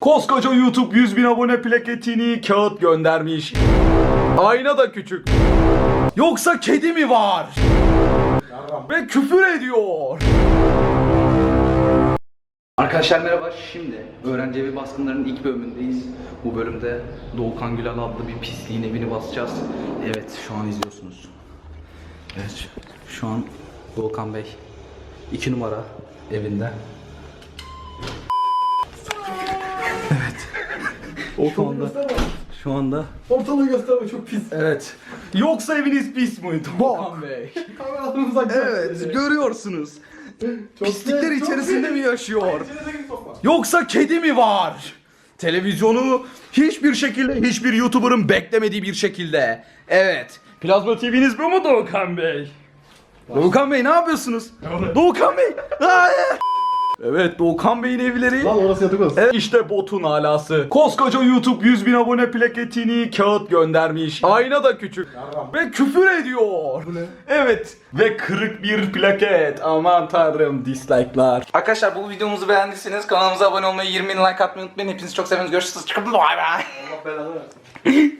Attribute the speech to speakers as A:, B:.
A: Koskoca YouTube 100.000 abone plaketini kağıt göndermiş. Ayna da küçük. Yoksa kedi mi var? Ve küfür ediyor. Arkadaşlar merhaba. Şimdi öğrenci evi baskınlarının ilk bölümündeyiz. Bu bölümde Doğukan Gülal adlı bir pisliğin evini basacağız. Evet, şu an izliyorsunuz. Evet, şu an Doğukan Bey 2 numara evinde. Evet. Şu anda
B: Ortalığı gösterme, çok pis.
A: evet. Yoksa eviniz pis mi Doğukan Bey?
B: Kameradan uzak.
A: Evet, görüyorsunuz. Pislikler
B: çok
A: içerisinde mi yaşıyor?
B: İçeri sokma.
A: Yoksa kedi mi var? Televizyonu hiçbir şekilde, hiçbir YouTuber'ın beklemediği bir şekilde. Evet. Plazma TV'niz bu mu Doğukan Bey? Doğukan Bey ne yapıyorsunuz? Doğukan Bey! Hayır! Evet, Doğukan Bey'in evleri.
B: Lan orası yatak odası.
A: Evet, işte botun alası. Koskoca YouTube 100.000 abone plaketini kağıt göndermiş. Ayna da küçük. Ve küfür ediyor.
B: Bu ne?
A: Evet. Ve kırık bir plaket. Aman tanrım, dislike'lar.
C: Arkadaşlar bu videomuzu beğendiyseniz kanalımıza abone olmayı, 20.000 like atmayı unutmayın. Hepinizi çok seviyoruz. Görüşürüz. Bye bye.
B: Allah belanı versin.